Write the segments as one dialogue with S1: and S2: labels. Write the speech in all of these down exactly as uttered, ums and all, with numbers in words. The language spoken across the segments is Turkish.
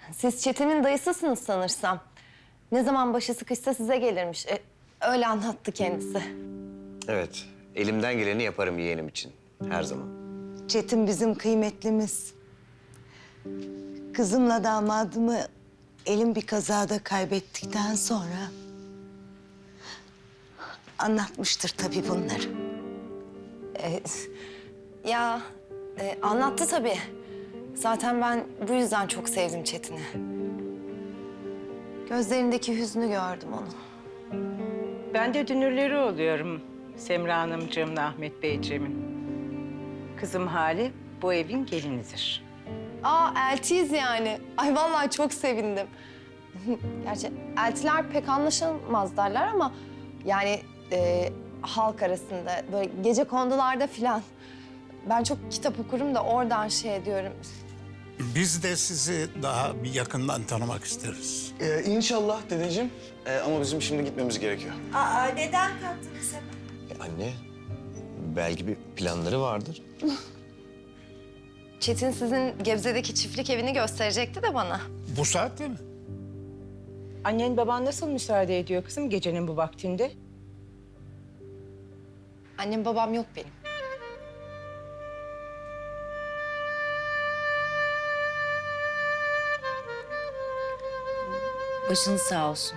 S1: Siz Çetin'in dayısısınız sanırsam. Ne zaman başı sıkışsa size gelirmiş. E, öyle anlattı kendisi.
S2: Evet, elimden geleni yaparım yeğenim için. Her zaman.
S3: Çetin bizim kıymetlimiz. Kızımla damadımı elim bir kazada kaybettikten sonra anlatmıştır tabii bunları.
S1: E, ya e, anlattı tabii. Zaten ben bu yüzden çok sevdim Çetin'i. Gözlerindeki hüznü gördüm onun.
S4: Ben de dünürleri oluyorum Semra Hanımcığımla Ahmet Beyciğimin. Kızım Hale bu evin gelinidir.
S1: Aa, eltiyiz yani. Ay vallahi çok sevindim. Gerçi eltiler pek anlaşılmaz derler ama... ...yani e, halk arasında böyle gece kondularda filan... ...ben çok kitap okurum da oradan şey ediyorum.
S5: Biz de sizi daha bir yakından tanımak isteriz.
S6: Ee, inşallah dedeciğim. Ee, ama bizim şimdi gitmemiz gerekiyor.
S3: Aa, neden kalktınız hemen?
S2: E, anne, belki bir planları vardır.
S1: Çetin sizin Gebze'deki çiftlik evini gösterecekti de bana.
S5: Bu saatte mi?
S4: Annen baban nasıl müsaade ediyor kızım gecenin bu vaktinde?
S1: Annem babam yok benim.
S7: Başınız sağ olsun.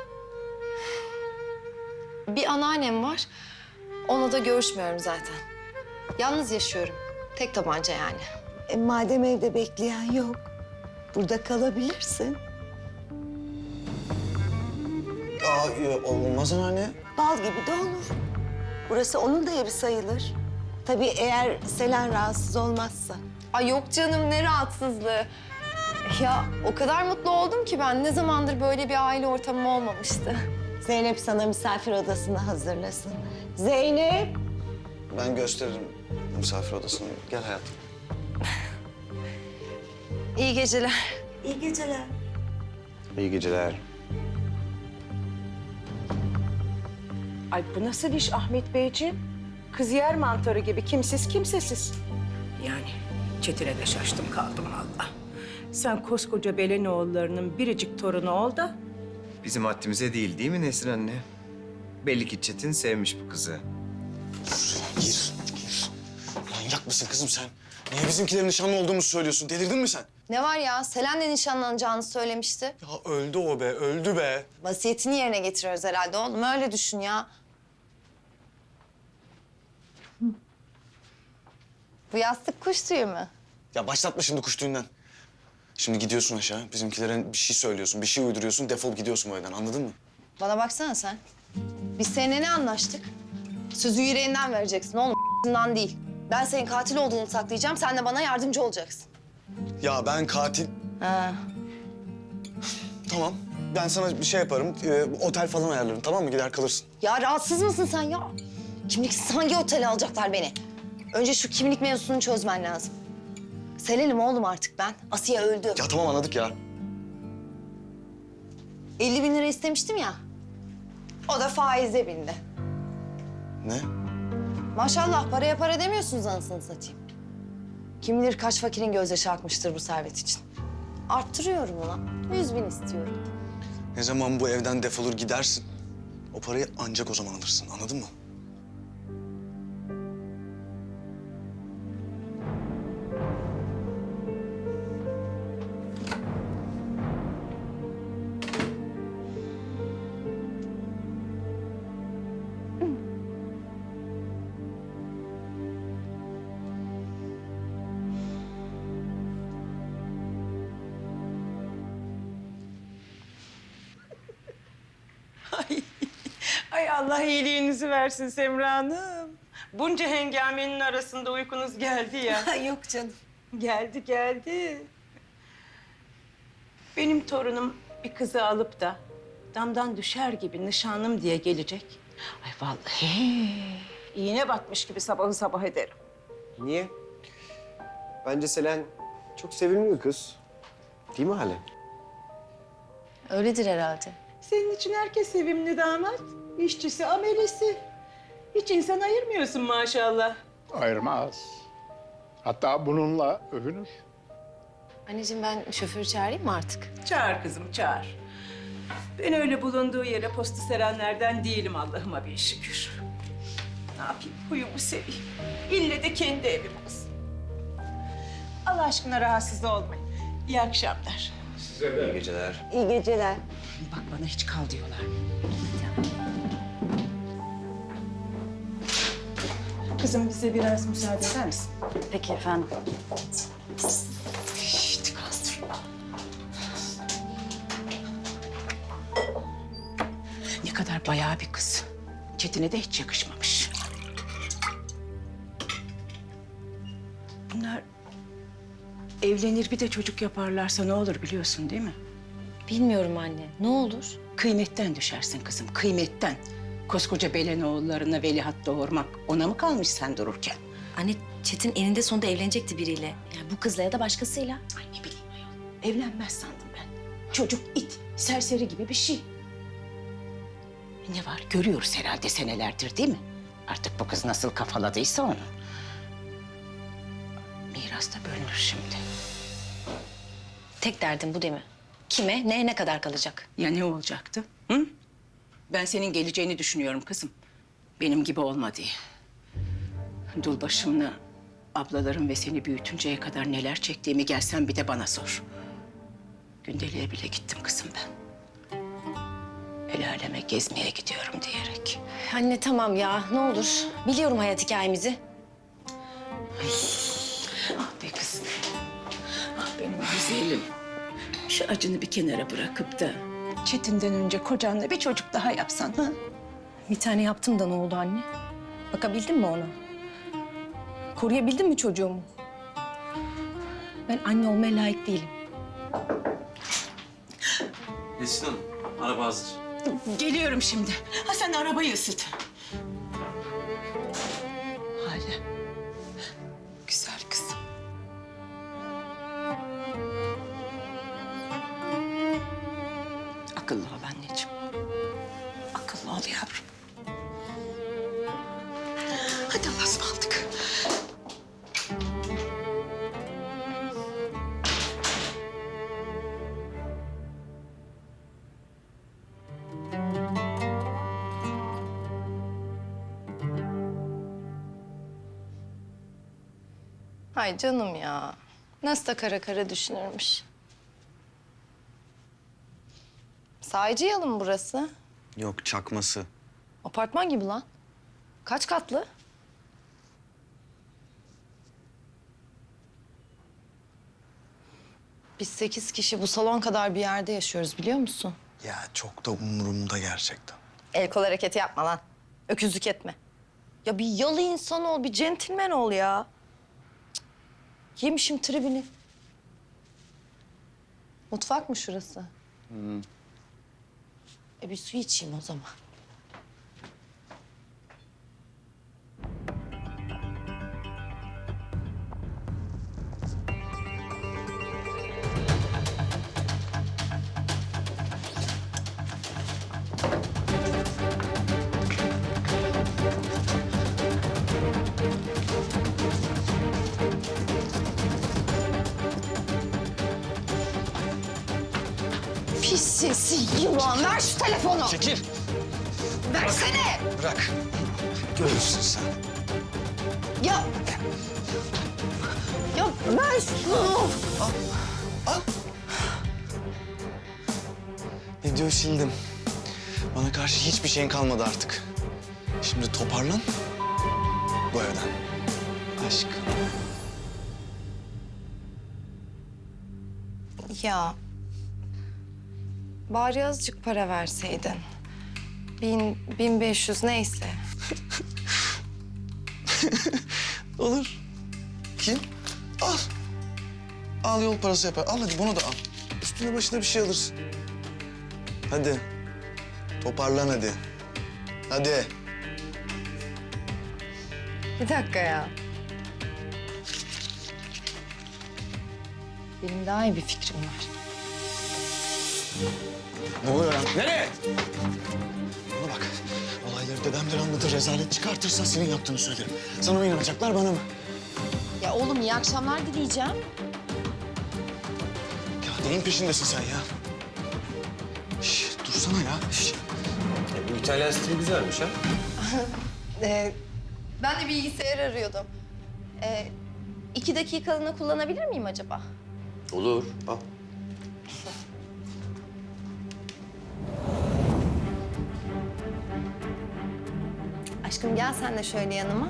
S1: Bir anneannem var. Onunla da görüşmüyorum zaten. Yalnız yaşıyorum. Tek tabanca yani.
S3: E, madem evde bekleyen yok, burada kalabilirsin.
S6: Aa, e, olmaz anneanne.
S3: Bal gibi de olur. Burası onun da evi sayılır. Tabii eğer Selen rahatsız olmazsa.
S1: Ay yok canım, ne rahatsızlığı. Ya o kadar mutlu oldum ki ben. Ne zamandır böyle bir aile ortamım olmamıştı.
S3: Zeynep sana misafir odasını hazırlasın. Zeynep!
S6: Ben gösteririm misafir odasını. Gel hayatım.
S1: İyi geceler.
S3: İyi geceler.
S2: İyi geceler.
S4: Ay bu nasıl iş Ahmet Beyciğim? Kız yer mantarı gibi kimsiz kimsesiz. Yani Çetin'e de şaştım kaldım valla. Sen koskoca Belenoğullarının biricik torunu ol da...
S2: Bizim haddimize değil, değil mi Nesrin anne? Belli ki Çetin sevmiş bu kızı.
S6: Gir, gir. Manyak mısın kızım sen? Niye bizimkilerin nişanlı olduğumuzu söylüyorsun? Delirdin mi sen?
S1: Ne var ya? Selen'le nişanlanacağını söylemişti.
S6: Ya öldü o be, öldü be.
S1: Vasiyetini yerine getiriyoruz herhalde oğlum. Öyle düşün ya. Bu yastık kuş tüyü mü?
S6: Ya başlatma şimdi kuş tüyünden. Şimdi gidiyorsun aşağı, bizimkilere bir şey söylüyorsun, bir şey uyduruyorsun, defol gidiyorsun bu evden, anladın mı?
S1: Bana baksana sen. Biz seninle ne anlaştık? Sözü yüreğinden vereceksin oğlum, değil. Ben senin katil olduğunu saklayacağım, sen de bana yardımcı olacaksın.
S6: Ya ben katil...
S1: Ha.
S6: Tamam, ben sana bir şey yaparım, e, otel falan ayarlarım, tamam mı? Gider kalırsın.
S1: Ya rahatsız mısın sen ya? Kimliksiz hangi otele alacaklar beni? Önce şu kimlik mevzusunu çözmen lazım. Selen'im oğlum artık ben. Asiye öldü.
S6: Ya tamam anladık ya.
S1: elli bin lira istemiştim ya. O da faize bindi.
S6: Ne?
S1: Maşallah paraya para demiyorsunuz anasını satayım. Kim bilir kaç fakirin gözyaşı akmıştır bu servet için. Arttırıyorum ulan. Yüz bin istiyorum.
S6: Ne zaman bu evden defolur gidersin, o parayı ancak o zaman alırsın, anladın mı?
S4: Ay, ay Allah iyiliğinizi versin Semra Hanım. Bunca hengamenin arasında uykunuz geldi ya.
S3: Yok canım.
S4: Geldi, geldi. Benim torunum bir kızı alıp da damdan düşer gibi nişanlım diye gelecek. Ay vallahi iğne batmış gibi sabahı sabah ederim.
S2: Niye? Bence Selen çok sevimli bir kız. Değil mi Hale?
S1: Öyledir herhalde.
S4: Senin için herkes sevimli damat. İşçisi, amelisi. Hiç insan ayırmıyorsun maşallah.
S5: Ayırmaz. Hatta bununla övünür.
S1: Anneciğim ben şoförü çağırayım mı artık?
S4: Çağır kızım, çağır. Ben öyle bulunduğu yere postu serenlerden değilim Allah'ıma bin şükür. Ne yapayım, huyumu seveyim. İlle de kendi evim olsun. Allah aşkına rahatsız olmayın. İyi akşamlar.
S2: İyi geceler.
S3: İyi geceler.
S4: Bak bana hiç kal diyorlar. Kızım bize biraz müsaade eder misin?
S7: Peki efendim.
S4: Şişt, kalsın. Ne kadar bayağı bir kız. Çetin'e de hiç yakışmamış. Bunlar evlenir bir de çocuk yaparlarsa ne olur biliyorsun değil mi?
S7: Bilmiyorum anne. Ne olur?
S4: Kıymetten düşersin kızım, kıymetten. Koskoca Belenoğullarına veliaht doğurmak ona mı kalmış sen dururken?
S7: Anne Çetin eninde sonunda evlenecekti biriyle. Yani bu kızla ya da başkasıyla.
S4: Ay ne bileyim ayol. Evlenmez sandım ben. Çocuk it, serseri gibi bir şey. Ne var görüyoruz herhalde senelerdir değil mi? Artık bu kız nasıl kafaladıysa onu. Miras da bölünür şimdi.
S7: Tek derdin bu değil mi? Kime, neye ne kadar kalacak?
S4: Ya ne olacaktı? Hı? Ben senin geleceğini düşünüyorum kızım. Benim gibi olma diye. Dul başımla ablalarım ve seni büyütünceye kadar neler çektiğimi gelsen bir de bana sor. Gündeliğe bile gittim kızım ben. El aleme gezmeye gidiyorum diyerek.
S7: Anne tamam ya ne olur. Biliyorum hayat hikayemizi.
S4: Ah be kızım. Ah benim güzelim. Şu acını bir kenara bırakıp da Çetin'den önce kocanla bir çocuk daha yapsan ha?
S7: Bir tane yaptım da ne oldu anne? Bakabildin mi ona? Koruyabildin mi çocuğumu? Ben anne olmaya layık değilim.
S8: Nesin Hanım, araba hazır.
S4: Geliyorum şimdi. Ha sen arabayı ısıt. Hala. Güzel kızım. Akıllı ol anneciğim. Akıllı ol yavrum. Hadi Allah'a ısmarladık.
S1: Ay canım ya. Nasıl da kara kara düşünürmüş. Sahici yalı mı burası?
S6: Yok çakması.
S1: Apartman gibi lan. Kaç katlı? Biz sekiz kişi bu salon kadar bir yerde yaşıyoruz biliyor musun?
S6: Ya çok da umurumda gerçekten.
S1: El kol hareketi yapma lan. Öküzlük etme. Ya bir yalı insan ol, bir centilmen ol ya. Cık. Yemişim tribini. Mutfak mı şurası?
S6: Hı.
S1: E bir su içeyim o zaman. Pis sesi yılan. Ver şu telefonu.
S6: Çekil.
S1: Versene.
S6: Bırak. Görürsün sen.
S1: Ya. Ya ver şunu.
S6: Al. Videoyu sildim. Bana karşı hiçbir şeyin kalmadı artık. Şimdi toparlan. Bu evden. Aşkım.
S1: Ya. Bari azıcık para verseydin. Bin, bin beş yüz neyse.
S6: Olur. Kim? Al. Al yol parası yapar. Al hadi bunu da al. Üstüne başına bir şey alırsın. Hadi. Toparlan hadi. Hadi.
S1: Bir dakika ya. Benim daha iyi bir fikrim var.
S6: Ne oluyor lan? Nereye? Bana bak. Olayları dedemden anlatır, rezalet çıkartırsan senin yaptığını söylerim. Sana mı inanacaklar, bana mı?
S1: Ya oğlum iyi akşamlar dileyeceğim.
S6: Neyin peşindesin sen ya? Şş, dursana ya. Şş.
S2: E, bu İtalyan stili güzelmiş ha.
S1: Ee, ben de bilgisayar arıyordum. Ee, iki dakikalığına kullanabilir miyim acaba?
S2: Olur. Al.
S1: Aşkım gel sen de şöyle yanıma.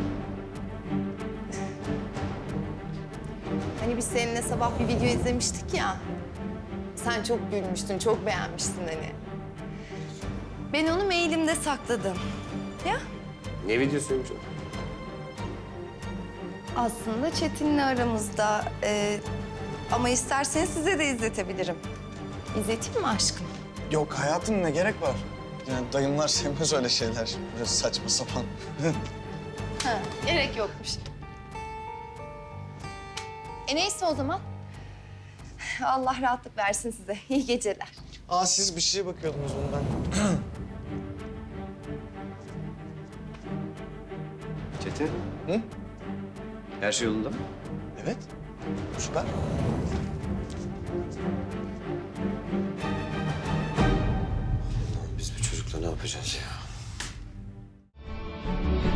S1: Hani biz seninle sabah bir video izlemiştik ya. Sen çok gülmüştün, çok beğenmiştin hani. Ben onu mailimde sakladım. Ya
S2: Ne videosuymuş o?
S1: aslında Çetin'le aramızda. Ee, ama isterseniz size de izletebilirim. İzleteyim mi aşkım?
S6: Yok hayatım, ne gerek var? Yani dayımlar sevmez öyle şeyler. Böyle saçma sapan.
S1: Ha, gerek yokmuş. E neyse o zaman. Allah rahatlık versin size. İyi geceler.
S6: Aa, siz bir şeye bakıyordunuz bundan.
S2: Çetin.
S6: Hı?
S2: Her şey yolunda mı?
S6: Evet. Süper.
S2: Biz bu çocukla ne yapacağız ya?